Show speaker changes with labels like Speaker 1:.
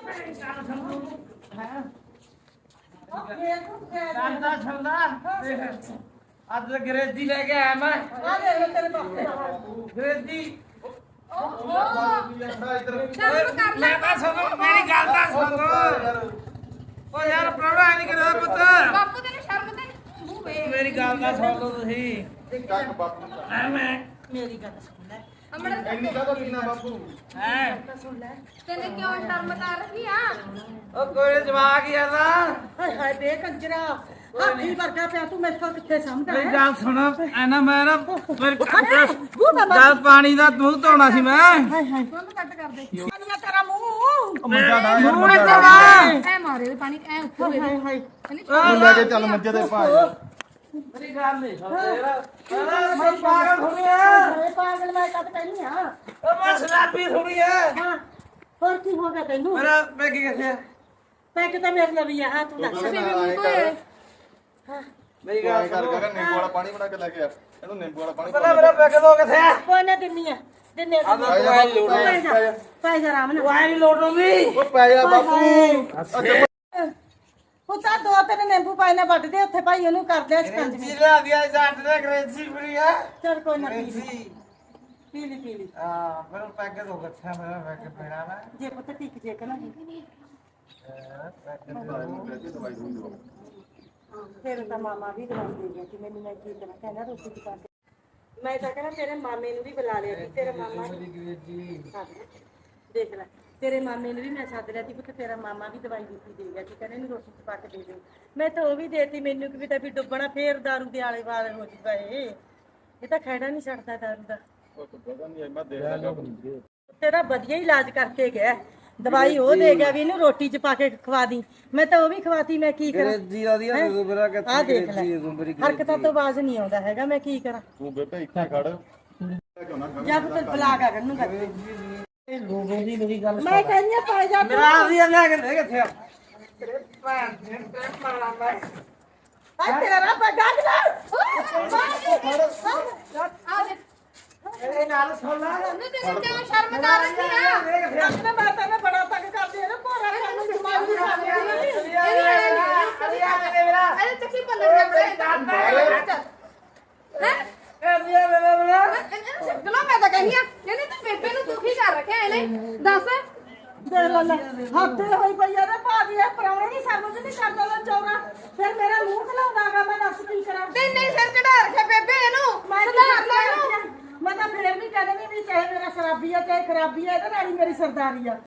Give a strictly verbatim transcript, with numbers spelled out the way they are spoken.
Speaker 1: ਕਰਦਾ ਛੱਲਾ ਅੱਜ ਅੰਗਰੇਜ਼ੀ ਲੈ ਕੇ ਆਇਆ ਮੈਂ
Speaker 2: ਆ ਦੇ ਤੇਰੇ ਪਾਪੇ ਦਾ
Speaker 1: ਅੰਗਰੇਜ਼ੀ
Speaker 3: ਮੈਂ
Speaker 1: ਤਾਂ ਸੁਣੋ ਮੇਰੀ ਗੱਲ ਤਾਂ ਸੁਣੋ ਓ ਯਾਰ ਪ੍ਰੋਣਾ ਨਹੀਂ ਕਰਦਾ ਪੁੱਤ
Speaker 3: ਬਾਪੂ ਤੈਨੂੰ ਸ਼ਰਮ ਤੇ ਮੂੰਹ ਵੇ
Speaker 1: ਮੇਰੀ ਗੱਲ ਤਾਂ ਸੁਣ ਲਓ ਤੁਸੀਂ
Speaker 4: ਕੱਕ ਬਾਪੂ ਨੂੰ
Speaker 1: ਐ ਮੈਂ
Speaker 2: ਮੇਰੀ ਗੱਲ ਸੁਣ ਲੈ
Speaker 3: ਅਮੜਾ
Speaker 4: ਇੰਨੀ ਕਾਹਦਾ ਪੀਣਾ ਬਾਪੂ
Speaker 1: ਹੈ
Speaker 2: ਸੁਣ ਲੈ
Speaker 3: ਤੈਨੂੰ ਕਿਉਂ ਸ਼ਰਮ ਤਾਂ ਰੱਖੀ ਆ
Speaker 1: ਉਹ ਕੋਈ ਜਵਾਕ ਹੀ ਆਦਾ
Speaker 2: ਹਾਏ ਹਾਏ ਬੇ ਕੰਜਰਾ ਹਾਥੀ ਵਰਗਾ ਪਿਆ ਤੂੰ ਮੇਰੇ ਕੋਲ ਕਿੱਥੇ ਸਮਝਦਾ
Speaker 1: ਮੇਰੀ
Speaker 2: ਹੈ
Speaker 1: ਗੱਲ ਸੁਣ ਐਨਾ ਮੈਂ ਨਾ
Speaker 2: ਬੂ ਬਾਬਾ
Speaker 1: ਗੱਲ ਪਾਣੀ ਦਾ ਮੂੰਹ ਧੋਣਾ ਸੀ ਮੈਂ
Speaker 2: ਹਾਏ ਹਾਏ
Speaker 3: ਬੰਦ ਕੱਟ ਕਰ ਦੇ
Speaker 2: ਪਾਣੀਆ ਤੇਰਾ ਮੂੰਹ
Speaker 4: ਮੰਜਾ ਡਾ ਯਾਰ
Speaker 1: ਮੂੰਹ
Speaker 4: ਮੰਜਾ
Speaker 1: ਇੱਧਰ
Speaker 4: ਡਾ
Speaker 1: ਆ
Speaker 3: ਐ ਮਾਰੇ ਪਾਣੀ ਐ ਉੱਪਰ
Speaker 2: ਹਾਏ ਹਾਏ
Speaker 4: ਤੂੰ ਲੈ ਕੇ ਚੱਲ ਮੰਜੇ ਤੇ ਪਾ ਯਾਰ
Speaker 1: ਮੇਰੀ ਗੱਲ ਨਹੀਂ ਸੁਣ ਯਾਰ ਮੈਂ ਪਾਗਲ ਹੋ ਗਿਆ
Speaker 2: ਹਾਏ ਪਾਗਲ ਮੈਂ ਕਦ ਕਹਿਨੀ ਆ
Speaker 1: ਉਹ ਮੈਂ ਸ਼ਰਾਬੀ ਥੋੜੀ ਐ
Speaker 2: ਹਾਂ ਹੋਰ ਕੀ ਹੋ ਗਿਆ ਤੈਨੂੰ
Speaker 1: ਮੇਰਾ ਮੈਂ ਕੀ ਕਿਹਾ
Speaker 2: ਪੈਕ ਤਾਂ ਮੇਰੇ ਲਈ ਵੀ ਆ ਹਾਂ ਤੂੰ ਦੱਸ
Speaker 4: ਬੇਬੇ ਨਾਲ ਆਏ ਕਰ
Speaker 1: ਮੇਰੀ
Speaker 4: ਤੂੰ ਆਏ
Speaker 1: ਗੱਲ
Speaker 4: ਕਰ
Speaker 1: ਸੁਣ
Speaker 4: ਕਰ ਨਿੰਬੂ ਵਾਲਾ ਪਾਣੀ ਬਣਾ ਕੇ ਲੈ ਕੇ ਆ ਇਹਨੂੰ ਨਿੰਬੂ ਵਾਲਾ ਪਾਣੀ
Speaker 1: ਪਹਿਲਾਂ ਮੇਰਾ ਪੈਕ ਦੋ ਕਿੱਥੇ ਆ
Speaker 2: ਕੋਈ ਨਾ ਦਿੰਨੀ ਆ ਦਿੰਨੇ
Speaker 1: ਆ ਤਾਂ ਤੂੰ ਐ ਲੋੜ
Speaker 2: ਪੈ ਜਾ ਪੈ ਜਾ ਆਰਾਮ ਨਾਲ
Speaker 1: ਤੂੰ ਐ ਨਹੀਂ ਲੋੜੂਗੀ
Speaker 4: ਉਹ ਪੈ ਜਾ ਬਾਪੂ
Speaker 2: ਉਹ ਤਾਂ ਦੋ ਤਿੰਨ ਨਿੰਬੂ ਪਾਈ ਨਾ ਵੱਢ ਦੇ ਉੱਥੇ ਭਾਈ ਉਹਨੂੰ ਕਰ ਦੇ ਸਕੰਜ
Speaker 1: ਜੀ ਲਾ ਦਿਆ ਜੱਟ ਦੇ ਅੰਗਰੇਜ਼ੀ ਫਰੀ ਆ
Speaker 2: ਚਲ ਕੋਈ ਨਾ ਪੀ ਲਈ
Speaker 1: ਅੰਗਰੇਜ਼ੀ
Speaker 2: ਪੀ ਲਈ ਪੀ ਲਈ
Speaker 1: ਆ ਮੇਰਾ ਪੈਕ ਦੋ ਕਿੱਥੇ ਮੇਰਾ ਪੈਕ ਪੀਣਾ ਮੈਂ
Speaker 2: ਜੇ ਪੁੱਤ ਟਿਕ ਜੇ ਕਨਾ
Speaker 4: ਦਵਾਈ ਦੂਈ ਦਿਓ
Speaker 2: ਫਿਰ ਤਾਂ ਮਾਮਾ ਵੀ ਦਵਾਈ ਦੇ ਗਿਆ ਕਿ ਮੈਨੂੰ ਮੈਂ ਕੀ ਕਰਾਂ ਕਹਿੰਦਾ ਰੋਟੀ ਪਕਾ ਕੇ ਮੈਂ ਤਾਂ ਕਹਿੰਦਾ ਤੇਰੇ ਮਾਮੇ ਨੂੰ ਵੀ ਬੁਲਾ ਲਿਆ ਸੀ ਤੇਰਾ ਮਾਮਾ
Speaker 1: ਅੰਗਰੇਜ਼ੀ
Speaker 2: ਦੇਖ ਲੈ ਤੇਰੇ ਮਾਮੇ ਨੂੰ ਵੀ ਮੈਂ ਸੱਦ ਲਿਆ ਸੀ ਕਿ ਤੇਰਾ ਮਾਮਾ ਵੀ ਦਵਾਈ ਦਿੱਤੀ ਦੇ ਗਿਆ ਕਿ ਕਹਿੰਦੇ ਇਹਨੂੰ ਰੋਟੀ ਚ ਪਾ ਕੇ ਦੇ ਦੇ ਮੈਂ ਤਾਂ ਉਹ ਵੀ ਦੇਤੀ ਮੈਨੂੰ ਕਿ ਵੀ ਤਾਂ ਵੀ ਡੁੱਬਣਾ ਫੇਰ ਦਾਰੂ ਦੇ ਆਲੇ ਵਾਲੇ ਹੋ ਜੂਗਾ ਇਹ ਇਹ ਤਾਂ ਖੈੜਾ ਨਹੀਂ ਛੱਡਦਾ ਦਾਰੂ ਦਾ
Speaker 4: ਉਹ ਤਾਂ ਪਤਾ ਨਹੀਂ ਮੈਂ ਦੇਖ ਲੱਗਾ
Speaker 2: ਤੇਰਾ ਵਧੀਆ ਇਲਾਜ ਕਰਕੇ ਗਿਆ ਦਵਾਈ ਉਹ ਦੇ ਗਿਆ ਵੀ ਇਹਨੂੰ ਰੋਟੀ ਚ ਪਾ ਕੇ ਖਵਾ ਦੀ ਮੈਂ ਤਾਂ ਉਹ ਵੀ ਖਵਾਤੀ ਮੈਂ ਕੀ ਕਰਾਂ
Speaker 1: ਅੰਗਰੇਜ਼ੀ ਦਾ ਦੀ ਮੇਰਾ ਕਿੱਥੇ
Speaker 2: ਆਹ ਦੇਖ ਲੈ
Speaker 1: ਮੇਰੀ
Speaker 2: ਹਰਕਤਾਂ ਤੋਂ ਆਵਾਜ਼ ਨਹੀਂ ਆਉਂਦਾ ਹੈਗਾ ਮੈਂ ਕੀ ਕਰਾਂ
Speaker 4: ਤੂੰ ਬੇਟਾ ਇੱਥੇ ਖੜ ਕਿਉਂ ਨਾ
Speaker 2: ਜਦ ਤੱਕ ਬੁਲਾ ਕੇ ਨੂੰ ਕਰ
Speaker 1: ਲੋਗੋ ਦੀ ਮੇਰੀ ਗੱਲ
Speaker 2: ਮੈਂ ਕਹਿੰਦੀ ਆ ਪੈ ਜਾ
Speaker 1: ਮੇਰਾ ਆਪ ਦੀ ਲੈ ਕੇ ਦੇ ਕਿੱਥੇ ਆ ਤੇਰੇ ਭੈਣ ਦੇ ਤੇ ਮਾਰਾ ਮੈਂ
Speaker 2: ਆ ਤੇਰਾ ਪੈ ਗੱਡ ਲੈ
Speaker 3: ਆ ਦੇ
Speaker 1: ਇਹਦੇ ਨਾਲ ਸੋਲਾ
Speaker 3: ਨਹੀਂ ਤੈਨੂੰ ਕਿਉਂ ਸ਼ਰਮ ਤਾਂ ਰੱਖੀ ਆ
Speaker 2: ਆਪਣੇ ਮਾਤਾ ਨੇ ਬੜਾ ਤੰਗ ਕਰਦੀ ਹੈ ਨਾ ਭੋਰਾ ਸਾਨੂੰ ਜਮਾਈ ਦੀ ਸਾਡੀ
Speaker 3: ਅਰੇ ਚੱਕੀ ਪੰਦਰ ਦੇ ਹੈ ਗਲੋ ਮੈਂ ਤਾਂ ਕਹਿੰਦੀ ਆ ਕਹਿੰਦੀ ਤੂੰ ਬੇਬੇ ਨੂੰ ਦੁਖੀ ਕਰ ਰੱਖਿਆ ਇਹਨੇ ਦੱਸ
Speaker 2: ਦੇ ਲੈ ਲੈ ਹੱਥੇ ਹੋਈ ਪਈ ਆ ਨਾ ਭਾਜੀ ਇਹ ਪਰੌਣੇ ਨਹੀਂ ਸਮਝ ਨਹੀਂ ਕਰਦਾ ਲੋ ਚੌਰਾ ਫਿਰ ਮੇਰਾ ਮੂੰਹ ਖਲਾਉਂਦਾਗਾ ਮੈਂ ਦੱਸ ਕੀ ਕਰਾਂ
Speaker 3: ਤੇ ਨਹੀਂ ਸਿਰ ਚੜਾ ਰੱਖਿਆ ਬੇਬੇ ਇਹਨੂੰ
Speaker 2: ਮੈਂ
Speaker 3: ਸੁਧਾਰ ਲੈ ਇਹਨੂੰ
Speaker 2: ਮੈਂ ਤਾਂ ਫਿਰ ਵੀ ਕਹਿੰਦੀ ਵੀ ਚਾਹੇ ਮੇਰਾ ਸ਼ਰਾਬੀ ਆ ਚਾਹੇ ਖਰਾਬੀ ਆ ਇਹਦੇ ਨਾਲ ਹੀ ਮੇਰੀ ਸਰਦਾਰੀ ਆ